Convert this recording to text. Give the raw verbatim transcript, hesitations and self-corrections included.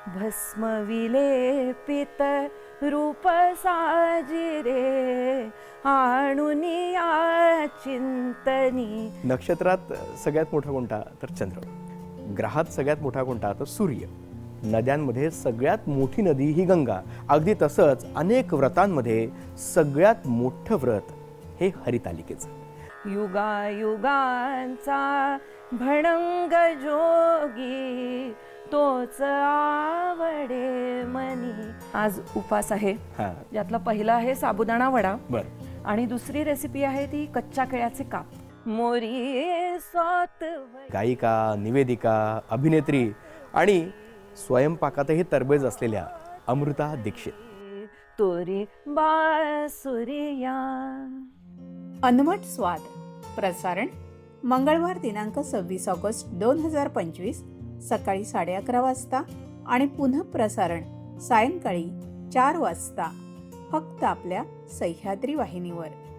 भस्म विलेपित रूप साजिरे आणुनिया चिंतनी. नक्षत्रात सगळ्यात मोठा कोणता तर चंद्र, ग्रहात सगळ्यात मोठा कोणता तर सूर्य, नद्यांमध्ये सगळ्यात मोठी नदी ही गंगा. अगदी तसंच अनेक व्रतांमध्ये सगळ्यात मोठं व्रत हे हरितालिकेचं. युगायुगांचा भणंग जोगी तोच आवडे मनी. आज उपास आहे, हा यातला पहिला आहे साबुदाणा वडा बर, आणि दुसरी रेसिपी आहे ती कच्च्या केळ्याचे काप. मोरी स्वात गायिका, निवेदिका, अभिनेत्री आणि स्वयंपाकातही तरबेज असलेल्या अमृता दीक्षित. तोरी बासुरिया. अनवट स्वाद प्रसारण मंगळवार दिनांक सव्वीस ऑगस्ट दोन हजार पंचवीस सकाळी साडे अकरा वाजता आणि पुनः प्रसारण सायंकाळी चार वाजता फक्त आपल्या सह्याद्री वाहिनीवर.